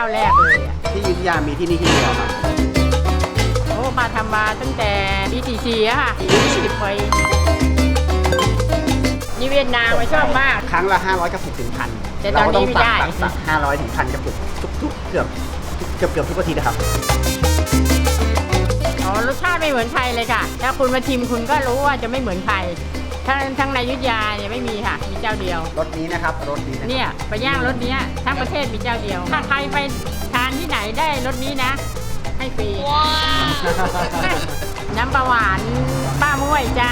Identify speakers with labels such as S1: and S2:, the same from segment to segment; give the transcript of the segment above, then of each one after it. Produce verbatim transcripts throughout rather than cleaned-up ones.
S1: าแรกเลยอ่ะ
S2: ที่อยุธยามีที่นี่ที่เดียวครับ
S1: โอ้มาทำมาตั้งแต่ปีสี่สี่อะค่ะยี่สิบปีนี่เวียดนามมาชอบมาก
S2: ครั้งละห้าร้อยกระปุกถึงพัน
S1: แต่ตอนนี้ไม่ได้
S2: สักห้าร้อยถึงพันกระปุกทุกๆเกือบเกือบเกือบทุกอาทิตย์นะครับ
S1: อ๋อรสชาติไม่เหมือนใครเลยค่ะถ้าคุณมาชิมคุณก็รู้ว่าจะไม่เหมือนใครทั้งทั้งในอยุธยาเนี่ยไม่มีค่ะมีเจ้าเดียว
S2: รสนี้นะครับรสนี้
S1: เนี่ยไปย่างรสนี้ทั้งประเทศมีเจ้าเดียวถ้าใครไปทานที่ไหนได้รสนี้นะให้ฟรีน้ำปลาหวานป้าม้วยจ้า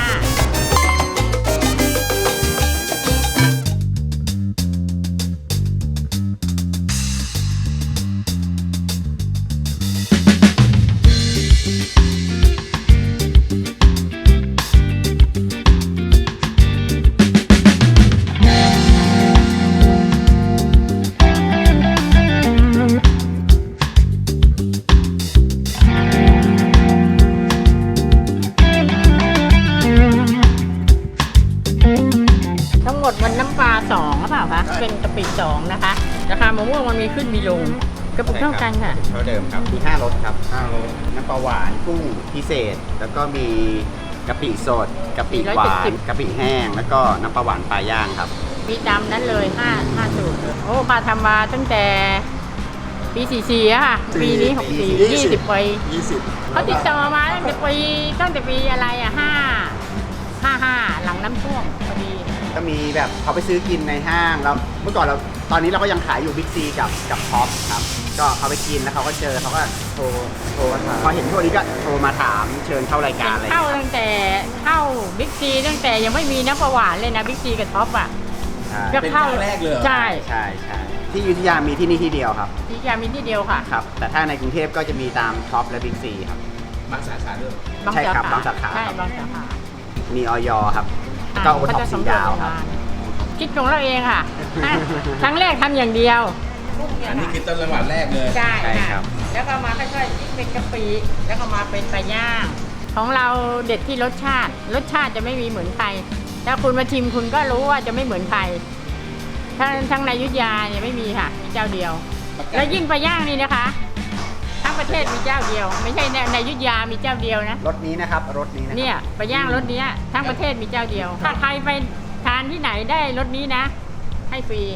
S1: หมดมันน้ำปลาสองหรือเปล่าคะเป็นกะปิสองนะคะราคามะม่วงมันมีขึ้นมีลงกระปุกเท่ากันค่ะ
S2: เท่าเดิมครับมีห้ารสครับห้ารสน้ำปลาหวานกุ้งพิเศษแล้วก็มีกะปิสดกะปิหวานกะปิแห้งแล้วก็น้ำปลาหวานปลาย่างครับ
S1: มีตามนั้นเลยห้าห้าสูตรโอ้มาทำมาตั้งแต่ปีสี่สี่อะค่ะปีนี้หกสี่ยี่สิบปี
S2: ยี่สิบ
S1: เขาติดต่อมาตั้งแต่ปีตั้งแต่ปีอะไรอะห้าห้าห้าหลังน้ำท่วมพอดี
S2: ก็มีแบบเขาไปซื้อกินในห้างแล้วเมื่อก่อนเราตอนนี้เราก็ยังขายอยู่บิ๊กซีกับกับท็อปครับก็เขาไปกินแล้วเขาก็เจอเขาก็โทรโทรพอเห็นพวกนี้ก็โทรมาถามเชิญเข้ารายการอะไร
S1: เข้าตั้งแต่เข้าบิ๊กซีตั้งแต่ยังไม่มีน้ำปลาหวานเลยนะบิ๊กซีกับท็อปอ่ะ
S3: ก็เข้าแรกเลย
S1: ใช่
S2: ใช่ใช่ที่อยุธยามีที่นี่ที่เดียวครับ
S1: ที่อยุธยามีที่เดียวค่ะ
S2: ครับแต่ถ้าในกรุงเทพก็จะมีตามท็อปและบิ๊กซีครับ
S3: บางสาขาด้วย
S2: ใช่ครับบางสาขา
S1: ใช่บางสาขา
S2: มีออยครับก็โอท็อปสีดาวครับ
S1: คิดของเราเองค่ะครั้งแรกทำอย่างเดียว
S3: อันนี้คือต้นจังหวัดแรกเลย
S1: ใช่ครับแล้วก็มาค่อยๆยิ่งเป็นกะปิแล้วก็มาเป็นปลาย่างของเราเด็ดที่รสชาติรสชาติจะไม่มีเหมือนใครถ้าคุณมาชิมคุณก็รู้ว่าจะไม่เหมือนใครทั้งทั้งในอยุธยาเนี่ยไม่มีค่ะมีเจ้าเดียวแล้วยิ่งปลาย่างนี่นะคะทั้งประเทศมีเจ้าเดียวไม่ใช่ในอยุธยามีเจ้าเดียวนะ
S2: รสนี้นะครับรสนี้นะ
S1: เนี่ยปลาย่างรสนี้ทั้งประเทศมีเจ้าเดียวถ้าใครไปทานที่ไหนได้รสนี้นะให้ฟรี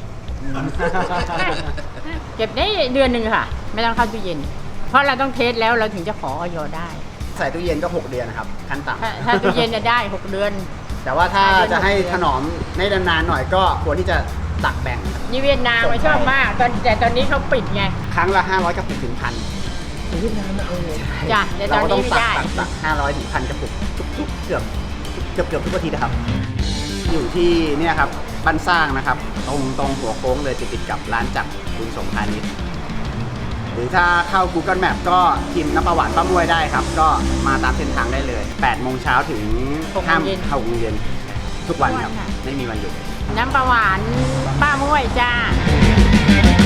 S1: เก็บได้เดือนหนึ่งค่ะไม่ต้องเข้าตู้เย็นเพราะเราต้องเทสแล้วเราถึงจะขอออยได้
S2: ใส่ตู้เย็นก็หกเดือนนะครับขั้นต่ำ
S1: ถ้าตู้เย็นจะได้หกเดือน
S2: แต่ว่าถ้าจะให้ถนอมในนานๆหน่อยก็ควรที่จะตักแบ่ง
S1: นี่เวียดนามมาชอบมากตอนแต่ตอนนี้เขาปิดไง
S2: ครั้งละห้าร้อยกระปุกถึงพัน
S3: เวียดนามเอาเลย
S1: จ้ะแต่ตอนนี้ไม่ได้
S2: ตักห้าร้อยถึงพันกระปุกทุกๆเกือบเกือบเกือบทุกอาทิตย์นะครับอยู่ที่เนี่ยครับบ้านสร้างนะครับตรงตรงหัวโค้งเลยติดติดกับร้านจักรบุญสงพาณิชย์หรือถ้าเข้า Google Map ก็พิมพ์น้ำปลาหวานป้าม้วยได้ครับก็มาตามเส้นทางได้เลยแปดโมงเช้าถึงห้าโมงเย็นทุกวันครับไม่มีวันหยุด
S1: น้ำปลาหวานป้าม้วยจ้า